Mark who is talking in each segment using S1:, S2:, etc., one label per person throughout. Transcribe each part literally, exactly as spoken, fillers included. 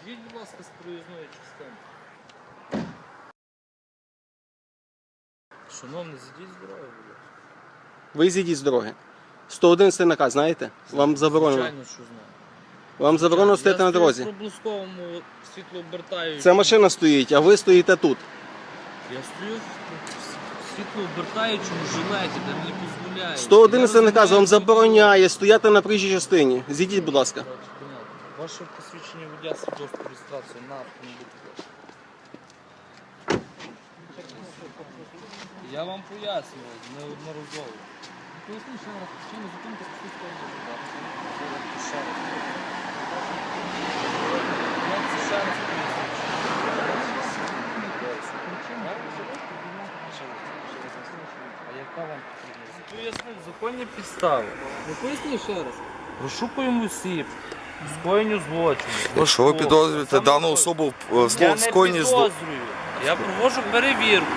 S1: Зійдіть, будь ласка, з проїзної частини. Шановний, зійдіть з дороги, будь ласка.
S2: Ви зійдіть з дороги. сто одинадцятий наказ, знаєте? Вам заборонено.
S1: Звичайно, що знаю.
S2: Вам заборонено стояти на дорозі.
S1: Я стою в проблисковому світлообертаючому.
S2: Ця машина стоїть, а ви стоїте тут.
S1: Я стою в світлообертаючому жилеті, де мені дозволяють.
S2: сто одинадцятий наказ вам забороняє стояти на проїжджій частині. Зійдіть, будь ласка.
S1: Ваше посвідчення водія, свідоцтво реєстрації на автомобіль. Я вам пояснював неодноразово.
S3: Поясніть, що раз причину зупинки посвідчення водія.
S1: Ще раз. Як це ще раз пояснюю? А яка вам потрібна? Пояснив законні підстави.
S3: Ви поясніть ще раз.
S1: Розшукуємо осіб, скоєнню злочину.
S4: Якщо ви підозрюєте дану особу в
S1: Я не
S4: скоєнні злочину,
S1: підозрюю. Я проводжу перевірку.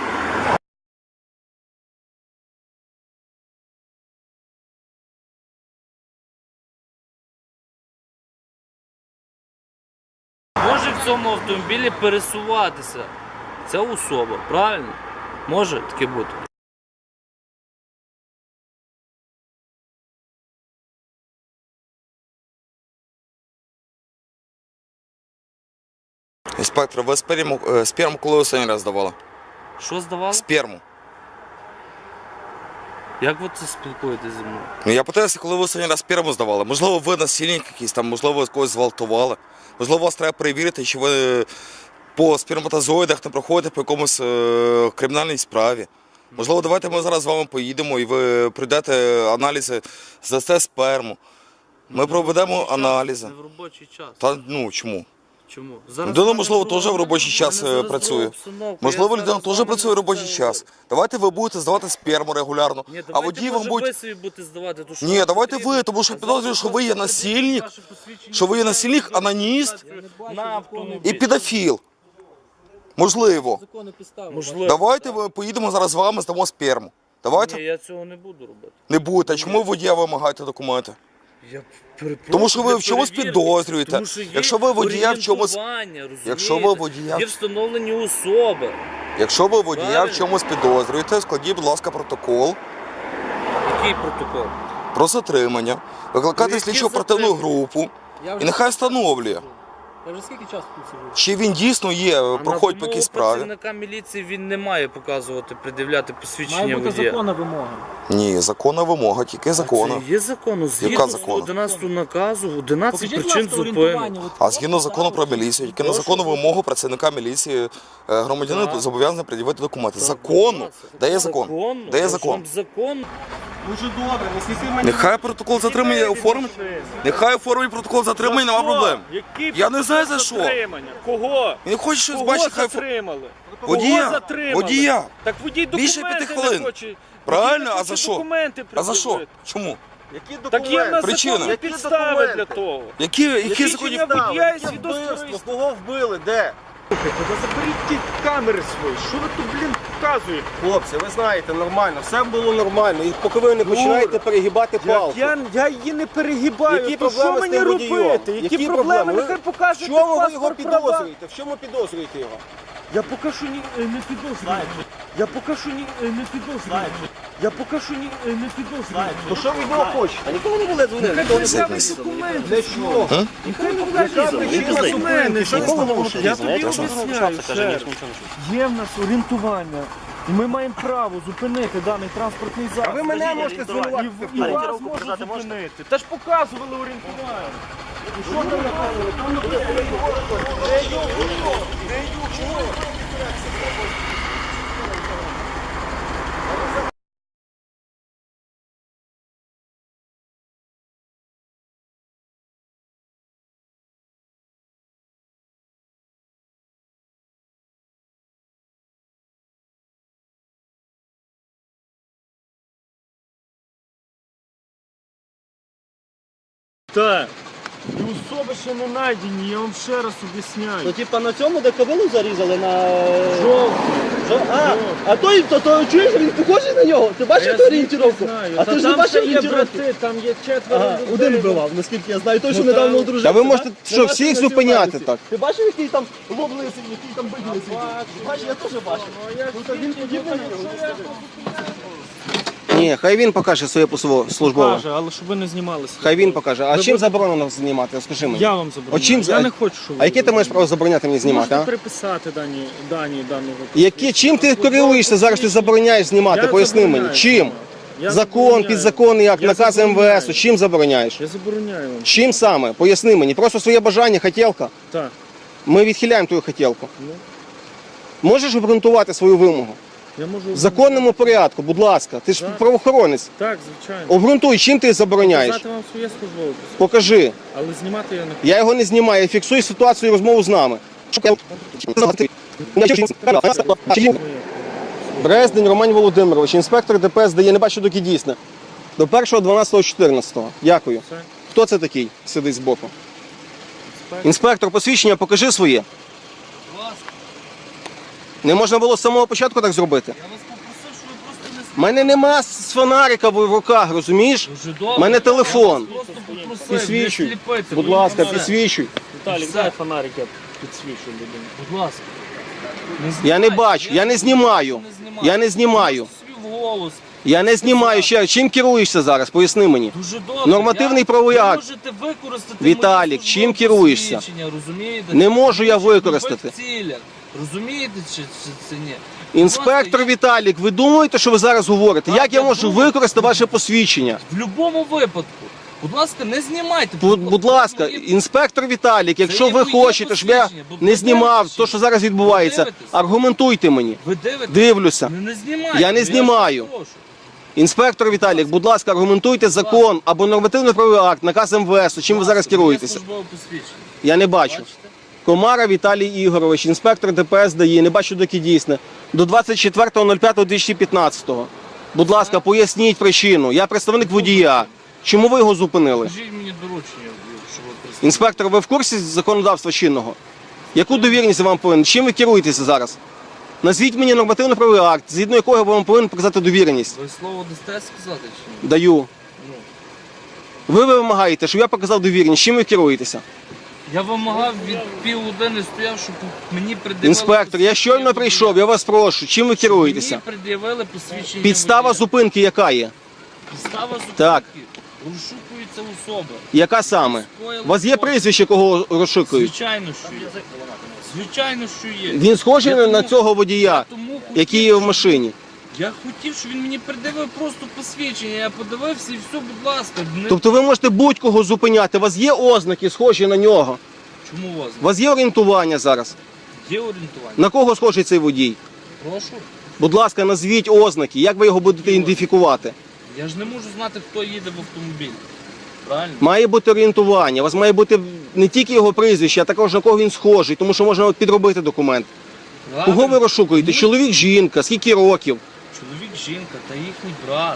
S1: Може в цьому автомобілі пересуватися ця особа, правильно? Може таке бути?
S4: інспектор, ви сперму, е, сперму коли останній раз здавали?
S1: Що здавали?
S4: Сперму.
S1: Як ви це спілкуєтесь зі мною?
S4: Ну я питаюся, коли ви останній раз сперму здавали. Можливо, ви насильник якийсь там, можливо, ви когось зґвалтували. Можливо, вас треба перевірити, чи ви по сперматозоїдах не проходите по якомусь е, кримінальній справі. Можливо, давайте ми зараз з вами поїдемо і ви прийдете аналізи, здасте сперму. Ми проведемо аналізи.
S1: Не в робочий час.
S4: Та ну чому?
S1: Чому?
S4: Людина, можливо, теж в робочий час е, працює. Можливо, людина теж працює в робочий час. Давайте ви будете здавати сперму регулярно,
S1: Ні,
S4: а водій вам
S1: буде...
S4: буде...
S1: ви собі будете здавати, то що
S4: Ні,
S1: вам
S4: давайте
S1: потрібно.
S4: ви, тому що підозрюю, що ви є
S1: Завтра
S4: насильник,
S1: ваше посвідчення
S4: що ви є насильник, аноніст
S1: на автомобіль.
S4: і педофіл. Можливо.
S3: Закони підстави.
S1: Можливо.
S4: Давайте ми поїдемо зараз з вами, здамо сперму.
S1: Ні,
S4: Давайте.
S1: я цього не буду робити.
S4: Не будете. Чому водія вимагаєте документи?
S1: Я перепрошую,
S4: Тому що ви
S1: для
S4: в чомусь
S1: перевірки.
S4: підозрюєте.
S1: Тому що є
S4: Якщо ви водія в чомусь-
S1: орієнтування, розумієте?
S4: Якщо ви водія-
S1: Є встановлені особи.
S4: Якщо ви водія в
S1: Правильно.
S4: чомусь підозрюєте, складіть, будь ласка, протокол
S1: Який протокол?
S4: про затримання, викликайте
S1: Які
S4: слідчу оперативну
S1: затримання?
S4: групу
S3: Я
S4: і
S3: вже,
S4: нехай встановлює,
S3: я вже скільки часу тут сиджу?
S4: чи він дійсно є,
S1: А
S4: проходить по
S1: на
S4: якійсь
S1: вимогу
S4: справі.
S1: працівника міліції він не має показувати, пред'являти посвідчення
S3: Має бути
S1: водія.
S3: законна вимога.
S4: Ні, законна вимога, тільки законна.
S1: Це є закону. Згідно
S4: Яка закону?
S1: одинадцятого наказу, одинадцять
S3: Покажіть, будь
S1: причин
S3: ласка,
S1: зупинки.
S3: орієнтування. От
S4: А згідно закону про міліцію, тільки на законну вимогу працівника міліції е, громадянин
S1: Так.
S4: зобов'язаний пред'явити документи. Законно. Де є закон?
S1: Законно.
S4: Де є
S1: Я ж
S4: закон?
S1: вам закон.
S2: Дуже добре, не світи мені.
S4: Нехай протокол затримання оформить. Нехай оформить протокол затримання, нема проблем.
S5: Який
S4: Я не знаю за що.
S5: затримання? Кого?
S4: Він хоче щось
S5: Кого
S4: бачити, хай фо-
S5: затримали?
S4: водія.
S5: Кого затримали?
S4: Водія.
S5: Так водій
S4: Більше
S5: документи
S4: п'яти хвилин.
S5: не хоче.
S4: Правильно,
S5: Водій не
S4: а
S5: хоче
S4: за що?
S5: документи
S4: А за що?
S5: пред'явити.
S4: Чому?
S2: Які
S5: Так є в нас
S4: Причина.
S5: законні
S4: Які
S5: підстави для того.
S4: Які, які
S5: Які
S4: законні?
S5: чиня водія і
S2: Яке
S5: свідоцтво
S2: вбивство?
S5: реєстрації?
S2: Кого вбили? Де?
S5: Слухайте, та заберіть ті камери свої. Що ви тут, блін, показуєте?
S2: Хлопці, ви знаєте, нормально, все було нормально. І поки ви не починаєте перегибати
S5: Я,
S2: палку.
S5: я, я її не перегибаю.
S2: Які
S5: То що
S2: проблеми з
S5: мені
S2: тим водієм?
S5: робити? Які,
S2: Які
S5: проблеми?
S2: проблеми?
S5: Нехай
S2: В
S5: покаже
S2: чому ви його
S5: паспорт права.
S2: підозрюєте? В чому підозрюєте його?
S5: Я поки що ні, е, не підозрюю. Я поки що ні, е, не підозрюю. Я поки що ні, е, не підозрюю.
S2: То що ви від нього хочете? А ніколи не були дзвонити?
S5: Нехай
S2: Ніколи не
S5: представить
S2: були.
S5: документи.
S2: Для чого?
S5: Нехай покаже документи. Що
S2: Ніколи не
S5: ви
S2: можете
S5: Я
S2: дізнатися.
S5: тобі об'ясняю ще раз. Є в нас орієнтування. І ми маємо право зупинити даний транспортний засіб.
S2: А ви мене можете
S5: І,
S2: звинуватити в
S5: і
S2: тому.
S5: вас можуть зупинити. Та ж показували орієнтування. Так. І особи ще не знайдені, я вам ще раз
S6: Ну,
S5: об'ясняю.
S6: типа на цьому, де кобилу зарізали, на
S5: Жовтий. Що? А, а той, то, то чуєш, він похожий на нього? Ти бачив ту орієнтировку? А ти ж не бачив орієнтировку?
S3: Там є четверо
S5: Ага, один вбивав, наскільки я знаю, той, що
S3: Ну,
S5: недавно
S3: там-
S5: одружився.
S2: Та ви можете
S5: так?
S2: що,
S5: Не бачив
S2: всіх
S5: на
S2: зупиняти
S5: цій
S2: так?
S5: Ти бачив, який там лоб лисий, який там бик лисий? Бачиш, я теж бачив. Ну, то він подібний на нього, ну, скажи.
S2: Ні, хай він покаже своє посво- службове.
S3: Каже, але щоб ви не знімалися.
S2: Хай він покаже. А
S3: Ви
S2: чим
S3: будете-
S2: заборонено знімати? Скажи мені.
S3: Я вам забороняю.
S2: От чим за-
S3: Я не хочу, щоб
S2: А яке ти маєш право забороняти мені знімати,
S3: Можете
S2: а?
S3: переписати дані, дані даного.
S2: Які, чим ти керуєшся зараз, ти забороняєш знімати?
S3: Я
S2: Поясни мені.
S3: забороняю
S2: Чим?
S3: знімати. Я
S2: Закон,
S3: забороняю.
S2: підзаконний акт,
S3: Я
S2: наказ
S3: забороняю.
S2: МВС. Чим забороняєш?
S3: Я забороняю вам.
S2: Чим саме? Поясни мені. Просто своє бажання, хотілка.
S3: Так.
S2: Ми відхиляємо твою хотілку.
S3: Ну.
S2: Можеш обґрунтувати свою вимогу?
S3: Я можу...
S2: В законному порядку, будь ласка. Ти ж
S3: Так.
S2: правоохоронець.
S3: Так, звичайно.
S2: Обґрунтуй, чим ти забороняєш?
S3: Показати вам своє службове посвідчення.
S2: Покажи.
S3: Але знімати я не хочу.
S2: Я його не знімаю, я фіксую ситуацію і розмову з нами. Брездень Роман Володимирович, інспектор ДПС дає, не бачу доки дійсне. До першого дванадцятого чотирнадцятого. Дякую.
S3: Все.
S2: Хто це такий? Сидить збоку.
S3: Інспектор.
S2: Інспектор, посвідчення, покажи своє.
S1: Будь ласка,
S2: Не можна було з самого початку так зробити.
S1: я вас попросив, щоб ви просто не
S2: У мене нема з фонарика в руках, розумієш?
S1: Дуже добре.
S2: У мене телефон.
S1: Я вас просто попросив,
S2: Підсвічуй.
S1: не сліпити,
S2: Будь
S1: ну,
S2: ласка,
S1: все.
S2: підсвічуй.
S3: Віталій,
S1: Все.
S3: дай фонарик, я підсвічу людину.
S1: Будь ласка.
S2: Я не бачу, я не знімаю. Я не знімаю.
S1: Собі в голос.
S2: Я не знімаю ще. Чим керуєшся зараз? Поясни мені.
S1: Дуже добре.
S2: Нормативний
S1: Я-
S2: правовий
S1: ви
S2: акт.
S1: можете використати
S2: Віталік,
S1: моє
S2: чим
S1: службове
S2: керуєшся?
S1: посвідчення, розумієте?
S2: Не можу я
S1: Щоб в
S2: використати.
S1: любих цілях. Розумієте чи, чи це ні?
S2: Інспектор
S1: Будь ласка,
S2: Віталік, ви думаєте, що ви зараз говорите?
S1: Так,
S2: Як я
S1: я
S2: можу
S1: думаю.
S2: використати ваше посвідчення?
S1: В будь-якому випадку. Будь ласка, не знімайте.
S2: Будь, будь ласка,
S1: Моє-
S2: інспектор Віталік, якщо
S1: є
S2: ви
S1: моє
S2: хочете, щоб я
S1: посвідчення, бо
S2: не
S1: ви
S2: знімав
S1: дивитесь,
S2: те, що зараз відбувається,
S1: дивитесь.
S2: аргументуйте мені.
S1: Ви дивитесь?
S2: Дивлюся.
S1: Не, не знімайте.
S2: Я не
S1: вас
S2: знімаю.
S1: прошу.
S2: Інспектор Віталік, будь ласка, аргументуйте закон або нормативний правовий акт, наказ МВС, чим ви зараз
S1: Моє
S2: керуєтеся?
S1: службове посвідчення.
S2: Я не бачу.
S1: Бачите?
S2: Комара Віталій Ігорович, інспектор ДПС дає, не бачу доки дійсне. До двадцять четвертого п'ятого дві тисячі п'ятнадцятого. Будь ласка, поясніть причину. Я представник водія. Чому ви його зупинили?
S1: Скажіть мені доручення, щоб ви представили.
S2: Інспектор, ви в курсі законодавства чинного? Яку довірність я вам повинен? Чим ви керуєтеся зараз? Назвіть мені нормативно-правовий акт, згідно якого я вам повинен показати довіреність.
S1: Ви слово дасте сказати чи ні?
S2: Даю.
S1: Ну.
S2: Ви вимагаєте, щоб я показав довіреність. Чим ви керуєтеся?
S1: Я вимагав від півгодини стояв, щоб мені пред'явили...
S2: Інспектор, я щойно
S1: посвідчення
S2: прийшов,
S1: водія.
S2: я вас прошу. Чим ви керуєтеся?
S1: Мені пред'явили посвідчення
S2: Підстава
S1: водія.
S2: зупинки яка є?
S1: Підстава зупинки.
S2: Так.
S1: Розшукується особа.
S2: Яка саме? У вас є прізвище, кого розшукують?
S1: Звичайно, що є. Звичайно, що є.
S2: Він схожий
S1: Я
S2: на
S1: тому-
S2: цього водія,
S1: я тому хотів,
S2: який є в
S1: щоб-
S2: машині.
S1: Я хотів, щоб він мені придивив просто посвідчення. Я подивився і все, будь ласка. Не...
S2: Тобто ви можете будь-кого зупиняти. У вас є ознаки, схожі на нього.
S1: Чому у вас
S2: У вас є орієнтування зараз.
S1: є орієнтування?
S2: На кого схожий цей водій?
S1: Прошу.
S2: Будь ласка, назвіть ознаки, як ви його будете ідентифікувати.
S1: Я ж не можу знати, хто їде в автомобілі. Правильно?
S2: Має бути орієнтування. У вас має бути не тільки його прізвище, а також на кого він схожий, тому що можна підробити документ. Кого ви
S1: Правильно?
S2: розшукуєте?
S1: Ну,
S2: Чоловік, жінка, скільки років?
S1: Чоловік, жінка та їхній брат.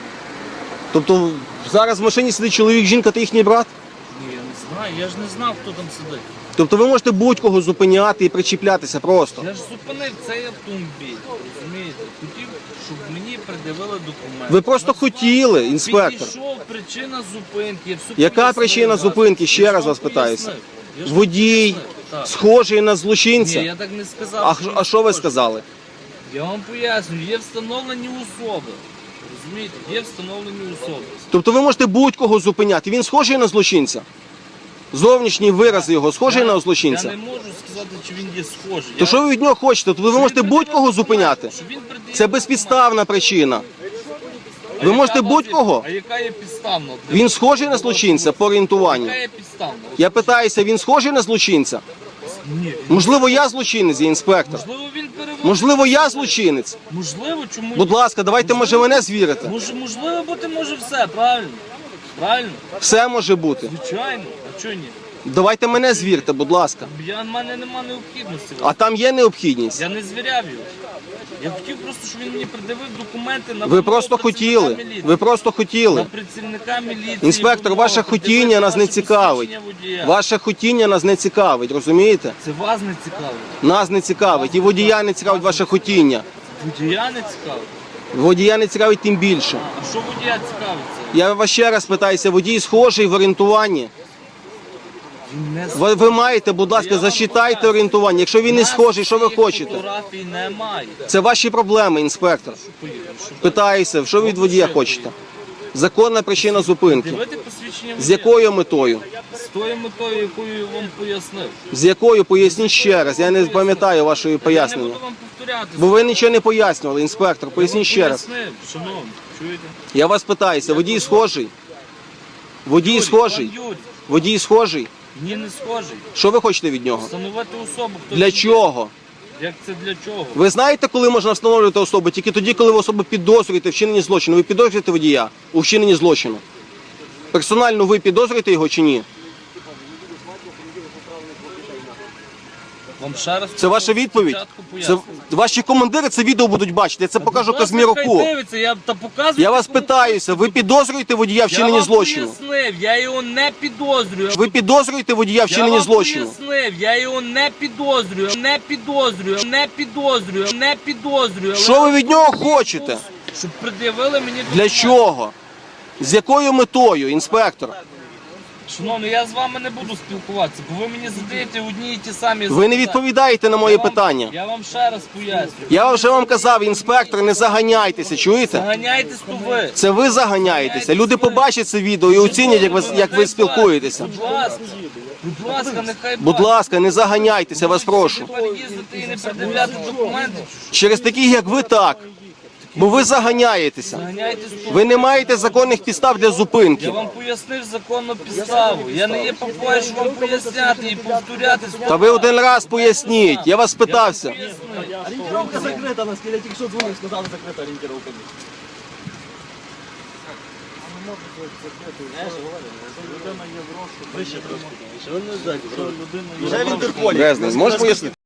S2: Тобто зараз в машині сидить чоловік, жінка та їхній брат?
S1: Ні, я не знаю, я ж не знав, хто там сидить.
S2: Тобто ви можете будь-кого зупиняти і причіплятися просто.
S1: Я ж зупинив цей автомобіль, розумієте? Хотів, щоб мені пред'явили документи.
S2: Ви просто
S1: Назвав,
S2: хотіли, інспектор.
S1: Підійшов, причина зупинки. Я все
S2: Яка
S1: пояснив,
S2: причина
S1: вас.
S2: зупинки? Ще
S1: Я
S2: раз
S1: ж
S2: вас
S1: вам
S2: питаюся.
S1: пояснив. Я ж вам
S2: Водій,
S1: пояснив, так.
S2: схожий на
S1: Ні,
S2: злочинця.
S1: я так не сказав.
S2: А,
S1: він
S2: а що ви
S1: схожий.
S2: сказали?
S1: Я вам пояснюю, є встановлені особи. Розумієте, є встановлені особи.
S2: Тобто ви можете будь-кого зупиняти. Він схожий на злочинця? Зовнішній вираз його схожий
S1: Я-
S2: на
S1: Я
S2: злочинця?
S1: не можу сказати, чи він є схожий.
S2: То
S1: Я-
S2: що ви від нього хочете? Тобто ви
S1: Щоб
S2: можете
S1: він
S2: будь-кого
S1: пред'явив
S2: зупиняти.
S1: документи, щоб він пред'явив
S2: Це
S1: документи.
S2: безпідставна причина.
S1: А
S2: Ви
S1: яка
S2: можете
S1: у вас є-
S2: будь-кого?
S1: А яка є підставна?
S2: Він схожий на злочинця по орієнтуванню.
S1: Яка є підставна?
S2: Я питаюся, він схожий на злочинця?
S1: Ні.
S2: Можливо, я злочинець, я інспектор.
S1: Можливо, він переводить.
S2: Можливо, я злочинець.
S1: Можливо, чому?
S2: Будь ласка, давайте, може, мене звірите.
S1: Може, можливо, бути може все, правильно? Правильно?
S2: Все може бути.
S1: Звичайно. А чого ні?
S2: Давайте мене звірте, будь ласка.
S1: Я, в мене нема необхідності.
S2: А там є необхідність.
S1: Я не звіряв його. Я хотів просто, щоб він мені придивив документи на
S2: Ви
S1: вимогу
S2: просто
S1: працівника
S2: хотіли.
S1: міліції.
S2: Ви просто
S1: На
S2: хотіли.
S1: працівника міліції.
S2: Інспектор,
S1: вимога
S2: ваше
S1: придивити
S2: хотіння нас не
S1: ваше
S2: цікавить.
S1: посвідчення водія.
S2: Ваше хотіння нас не цікавить, розумієте?
S1: Це вас не цікавить.
S2: Нас не цікавить. І водія не цікавить ваше хотіння.
S1: Водія не цікавить.
S2: Водія не цікавить тим більше.
S1: А що водія цікавиться?
S2: Я вас ще раз питаюся, водій схожий в орієнтуванні.
S1: Він не
S2: Ви, ви маєте, будь ласка, зачитайте орієнтування. Якщо він не схожий, що ви хочете?
S1: Фотографій немає.
S2: Це ваші проблеми, інспектор.
S1: Поїхали, що
S2: Питаюся, що ви від водія хочете? Законна причина зупинки.
S1: дивити посвідчення водія.
S2: З якою метою?
S1: З тою метою, якою я вам пояснив.
S2: З якою? Поясніть ще раз. Я не пам'ятаю вашої
S1: Я не
S2: пояснення.
S1: буду вам повторяти.
S2: Бо ви нічого не пояснювали, інспектор. Поясніть ще раз.
S1: Пояснив, шановні, чуєте?
S2: Я вас питаюся, водій схожий? Водій
S1: Юрій,
S2: схожий?
S1: пан Юрій,
S2: Водій схожий?
S1: ні, не схожий.
S2: Що ви хочете від нього?
S1: Встановити особу. Хто
S2: Для
S1: він
S2: чого?
S1: є. Як це для чого?
S2: Ви знаєте, коли можна встановлювати особу? Тільки тоді, коли ви особу підозрюєте в вчиненні злочину. Ви підозрюєте водія у вчиненні злочину? Персонально ви підозрюєте його чи ні?
S1: Вам ще раз
S2: Це ваша відповідь?
S1: спочатку
S2: Це
S1: поясню.
S2: ваші командири це відео будуть бачити. Я це покажу
S1: Будь ласка,
S2: Казміруку.
S1: хай дивиться, я та показую.
S2: Я вас питаюся, ви підозрюєте водія в
S1: Я
S2: вчиненні
S1: вам
S2: злочину?
S1: пояснив, я його не підозрюю.
S2: Ви підозрюєте водія в
S1: Я
S2: вчиненні
S1: вам
S2: злочину?
S1: пояснив, я його не підозрюю, не підозрюю, не підозрюю, не підозрюю.
S2: Що ви від нього хочете?
S1: Щоб пред'явили мені
S2: Для
S1: документи.
S2: чого? З якою метою, інспектор?
S1: Шановний, я з вами не буду спілкуватися, бо ви мені задаєте одні і ті самі
S2: Ви не
S1: запитання.
S2: відповідаєте на мої
S1: Я вам-
S2: питання.
S1: Я вам ще раз поясню.
S2: Я вже вам казав, інспектор, не заганяйтеся, чуєте?
S1: Заганяйтесь то ви.
S2: Це ви заганяєтеся. Люди побачать це відео і оцінять, як ви, як ви спілкуєтеся.
S1: Будь ласка, будь ласка, нехай
S2: Будь ласка, не заганяйтеся, вас прошу.
S1: Тепер їздити і не пред'являти документи.
S2: Через таких, як ви, так. Бо ви заганяєтеся.
S1: Заганяйтесь то
S2: Ви не маєте законних підстав для
S1: Я
S2: зупинки.
S1: вам пояснив законну підставу. Я не є попою, щоб вам поясняти і повторяти.
S2: Та ви один раз поясніть. Я вас питався.
S3: Орієнтировка закрита, наскільки я тільки що дзвонив, сказали, закрита орієнтировка. Вже в Інтерполі.
S2: Брезний, можеш пояснити?